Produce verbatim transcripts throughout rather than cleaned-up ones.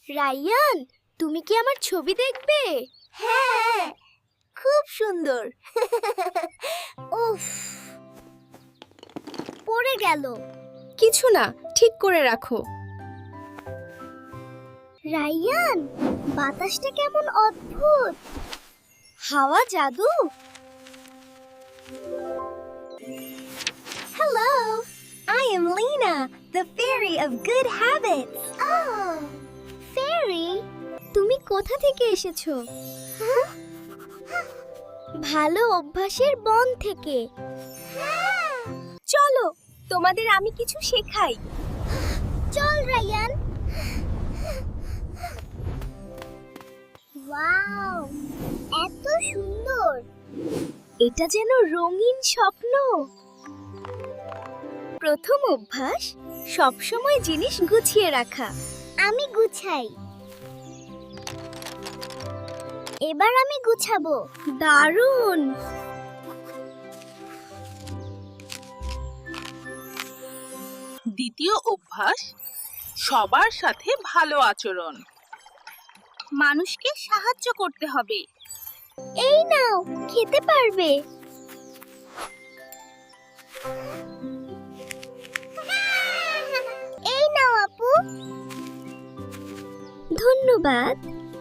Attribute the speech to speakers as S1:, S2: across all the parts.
S1: Ryan, তুমি কি আমার ছবি দেখবে?
S2: হ্যাঁ, খুব সুন্দর। উফ, পড়ে গেল।
S1: কিছু না, ঠিক করে রাখো।
S2: রায়ান, বাতাসটা কেমন অদ্ভুত। হাওয়া জাদু। Hello, I am Lena, the fairy of good habits. Oh, fairy?
S1: তুমি কোথা থেকে এসেছো?
S2: ভালো অভ্যাসের বন থেকে।
S1: চলো, তোমাদের আমি কিছু শেখাই।
S2: চল রায়ান। ওয়াও, এত সুন্দর।
S1: এটা যেন রঙিন স্বপ্ন। প্রথম অভ্যাস, সবসময় জিনিস গুছিয়ে রাখা।
S2: আমি গুছাই। এবার আমি গুছাবো।
S1: দারুণ।
S3: দ্বিতীয় অভ্যাস, সবার সাথে ভালো আচরণ। মানুষকে সাহায্য করতে হবে।
S2: এই নাও, খেতে পারবে। এই নাও আপু।
S1: ধন্যবাদ।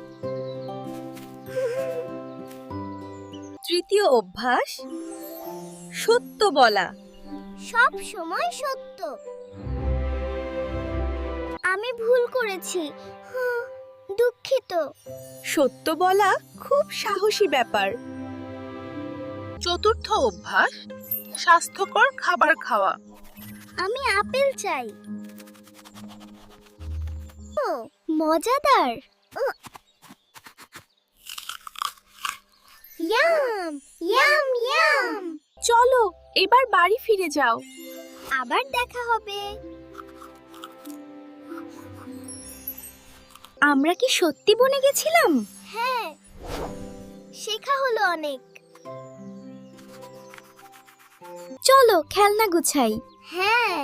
S1: তৃতীয় অভ্যাস, সত্য বলা।
S2: সব সময় সত্য। আমি ভুল করেছি, হুঁ, দুঃখিত।
S1: সত্য বলা খুব সাহসী ব্যাপার।
S3: চতুর্থ অভ্যাস, স্বাস্থ্যকর খাবার খাওয়া।
S2: আমি আপেল চাই। ও, মজাদার। উহ। Yum yum yum.
S1: চলো, এবার বাড়ি ফিরে যাও।
S2: আবার দেখা হবে।
S1: আমরা কি সত্যি বনে গেছিলাম?
S2: হ্যাঁ, শেখা হলো অনেক।
S1: চলো, খেলনা গুছাই।
S2: হ্যাঁ।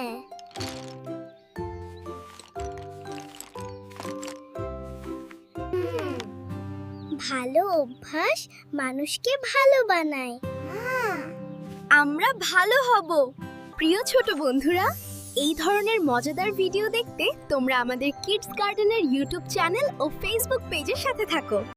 S2: হুম, ভালো অভ্যাস মানুষকে ভালো বানায়।
S1: আমরা ভালো হব। প্রিয় ছোট বন্ধুরা, এই ধরনের মজাদার ভিডিও দেখতে তোমরা আমাদের কিডস গার্ডেনের ইউটিউব চ্যানেল ও ফেসবুক পেজের সাথে থাকো।